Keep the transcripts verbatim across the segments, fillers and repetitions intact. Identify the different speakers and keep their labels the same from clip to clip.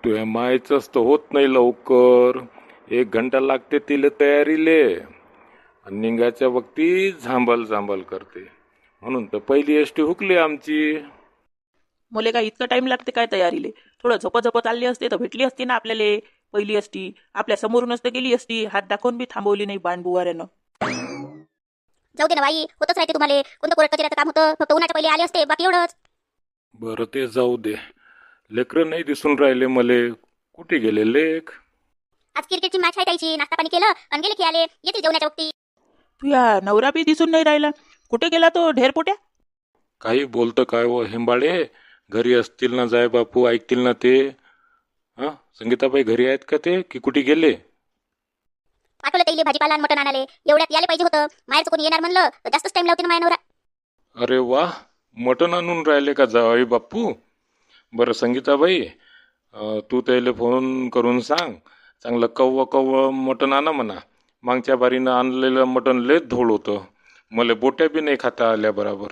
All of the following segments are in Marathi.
Speaker 1: तुझ्या मायचंच तर होत नाही लवकर. एक घंटा लागते तिला तयारीले आणि निघायच्या वक्ती झांबल झांबल करते. म्हणून तर पहिली एसटी हुकली आमची.
Speaker 2: मुले काय इतकं टाइम लागते काय तयारीले? थोडं झोप झोप चालली असते तर भेटली असती ना आपल्याला पहिली असती. आपल्या समोरूनच तर गेली असती, हात दाखवून बी थांबवली नाही बाणबुवाऱ्यानं.
Speaker 3: जाऊ दे ना बाई, होतच राहते तुम्हाला. कोणतं कोर्ट कचऱ्याचं काम होतं, फक्त उन्हाच्या पहिले आले असते, बाकी एवढंच.
Speaker 1: बरं ते जाऊ दे. लेकरं नाही दिसून राहिले मले. कुठे गेले लेक?
Speaker 3: आज क्रिकेटची मॅच आहे त्याची, नाश्ता पाणी केलं आणि गेले खेळाले. येते जेवणाच्या वक्ती.
Speaker 2: तुया नवरा बी दिसून नाही राहिला. कुठे गेला तो ढेरपोट्या?
Speaker 1: काही बोलतं काय व हेंबाळे? घरी असतील ना जाय बापू, ऐकतील ना ते. हां, संगीताबाई घरी आहेत का ते, की कुठे गेले?
Speaker 3: पाठवलं त्याला भाजीपाला आणि मटण आणाले. एवढ्यात यायला पाहिजे होतं. माहेरचं कोणी येणार म्हणलं तर जास्तच टाइम लावते ना माझ्या नवरा.
Speaker 1: अरे वा, मटण आणून राहिले का जावई बापू? बरं संगीताबाई, अं, तू त्याला फोन करून सांग, चांगलं कव्व कव्व मटण आणा म्हणा. मागच्या बारीनं आणलेलं मटण लेच धोळ होतं. मला बोट्या बी नाही खाता आल्या बराबर.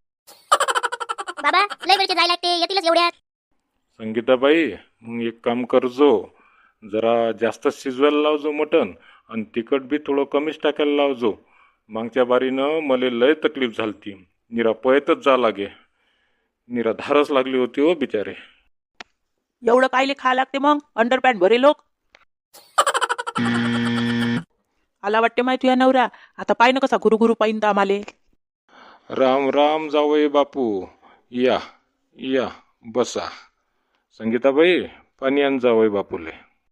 Speaker 3: बाबा लय वेळचे जायला लागते, येतीलच एवढ्यात.
Speaker 1: संगीताबाई, मग एक काम करजो, जरा जास्त शिजवायला लावजो मटण आणि तिखट बी थोडं कमीच टाकायला लावजो. मागच्या बारीनं मला लय तकलीफ झालती. निरा पळतच जा लागे. निरा धारच लागली होती हो बिचारे.
Speaker 2: एवढं कायले खा लागते मग? अंडरपॅन्ट भरे लोक. आला वाटते माहिती तुया नवरा. आता पाय ना कसा गुरु गुरु पाहिन तर आम्हाले.
Speaker 1: राम राम जावई बापू. या या बसा. संगीताबाई, पाणी आण जावई बापूले.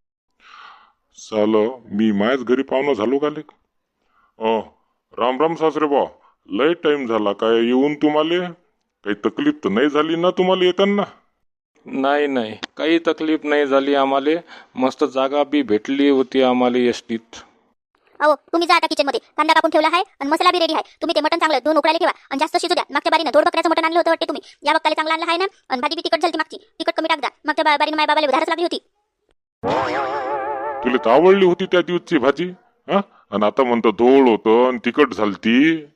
Speaker 4: साल मी मायाच घरी पाहुणा झालो का लेक? अ राम राम सासरे बा. लय टाइम झाला काय येऊन तुम्हाला? काही तकलीफ तर नाही झाली ना तुम्हाला येताना?
Speaker 1: नाही नाही, काही तकलीफ नाही झाली आम्हाले. मस्त जागा बी भेटली होती आम्हाला एसटीत.
Speaker 3: अहो तुम्ही जा आता किचन मध्ये. कांदा कापून ठेवला आहे आणि मसाला बी रेडी आहे. तुम्ही ते मटण चांगलं दोन उकळायला ठेवा आणि जास्त शिजू द्या. मागच्या बारीनं दोड बकऱ्याचं मटण आणलं होतं वाटते तुम्ही. या वक्ताला चांगलं आणलं आहे ना. आणि भाजी बी तिखट झाली मागची. तिखट कमी टाक द्या. मागच्या बा- बारीनं माझ्या बाबाला धारच लागली होती.
Speaker 4: तुला तर आवडली होती त्या दिवसची भाजी, हा? आणि आता म्हणतो धोळ होतं आणि तिखट झालती.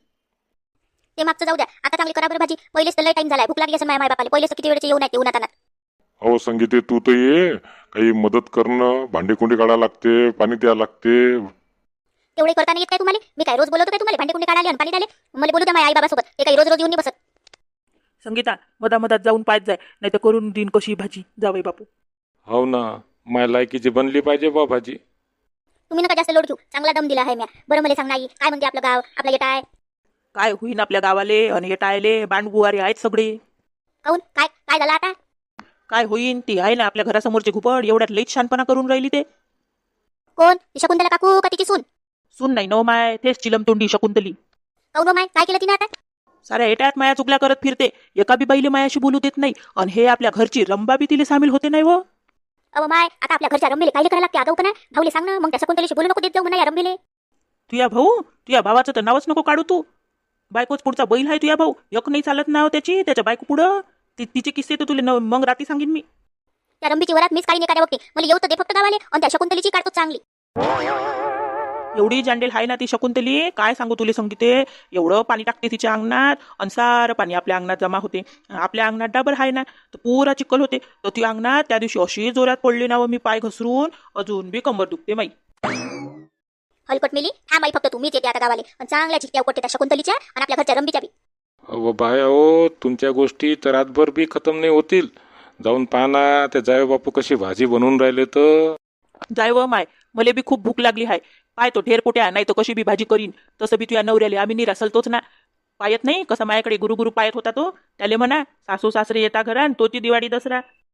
Speaker 3: ते मागचं जाऊ द्या. आता चांगली करा बरं भाजी. पहिलेच तर लय टाइम झालाय. भूक लागली असेल माझ्या माय बापाला. पहिलेच तर किती वेळेचे येऊन आहेत उन्हात आणत.
Speaker 4: अहो संगीते, तू तर ये. काही मदत करणं, भांडे कुंडे काढा लागते, पाणी द्या लागते.
Speaker 3: तेवढे करता नाही येत काय तुम्हाला? मी काय रोज बोलवतो काय तुम्हाला? भांडे कुंडे काढाले आणि पाणी द्याले. मला बोलू द्या माझ्या आई बाबासोबत. ते काही रोज रोज येऊन नाही बसत.
Speaker 2: संगीता, मधा मधात जाऊन पायत जाय, नाही तर करून दिन कशी भाजी जावई बापू.
Speaker 1: हो ना, माय लायकीची बनली पाहिजे बा भाजी.
Speaker 3: तुम्ही नका जास्त लोड घेऊ. चांगला दम दिला आहे म्या. बरं मला सांग नाही काय म्हणते आपलं गाव, आपला येटा आहे.
Speaker 2: काय होईन आपल्या गावाले आणि हे टायले बाणबुवारे आहेत सगळे.
Speaker 3: काऊन काय काय झालं आता?
Speaker 2: काय होईन ती आहे ना आपल्या घरासमोरची घुबड, एवढ्यात लईच शानपणा करून राहिली. ते
Speaker 3: कोण? ती शकुंतला काकू का तिची सून?
Speaker 2: सून नाही नो माय, तेच चिलमतोंडी शकुंतली.
Speaker 3: काऊन हो माय, काय केलं तिने आता?
Speaker 2: साऱ्या एटात माया चुकल्या करत फिरते. एका बी बाईले मायाशी बोलू देत नाही. आणि हे आपल्या घरची रंबा बी तिले सामील होते नाही व.
Speaker 3: अहो माय, आता आपल्या घरच्या रंबेले काय करायला लागते? आगाऊ पण भाऊले सांग ना. मग त्या शकुंतलेशी बोलू नको देत जाऊ म्हणा या रंबेले.
Speaker 2: तुया भाऊ, तुया भावाचं तर नावच नको काढू तू. बायकोच पुढचा बैल आहे तुया भाऊ. एक नाही चालत नाव त्याची, त्याच्या बायको पुढं. ती तिचे किस्से तर तुले न- मग रात्री सांगेन मी.
Speaker 3: त्या रंबीची वरात मीच काढी एखाद्या वक्ती. मला येऊ तर दे फक्त गावाले. आणि त्या शकुंतलीची काढतो चांगली.
Speaker 2: एवढी जांडेल आहे ना ती शकुंतली, काय सांगू तुले संगीते. एवढं पाणी टाकते तिच्या अंगणात आणि सारं पाणी आपल्या अंगणात जमा होते. आपल्या अंगणात डाबर आहे ना, तर पुरा चिखल होते. तर ती अंगणात त्या दिवशी अशी जोरात पडली ना व मी पाय घसरून अजून बी कंबर दुखते माई.
Speaker 3: हलकट मेली. हा माई फक्त तुम्हीच येते आता गावाले. आणि चांगल्या चिकट्या उकडते त्या शकुंतलीच्या आणि आपल्या घरच्या रंबीच्या बी.
Speaker 1: अहो बाया हो, तुमच्या गोष्टी तर रातभर बी खतम नाही होतील. जाऊन पाहना त्या जाय बापू कशी भाजी बनवून राहिले तर.
Speaker 2: जाय व माय, मले बी खूप भूक लागली आहे. पाय तो ढेर पोट्या, नाही तर कशी बी भाजी करीन. तसं बी तुया नवऱ्याले आम्ही निरासलतोच ना. पायत नाही कसा माझ्याकडे गुरु गुरु पायत होता तो. त्याले म्हणा सासू सासरे येता घरान तोची दिवाळी दसरा.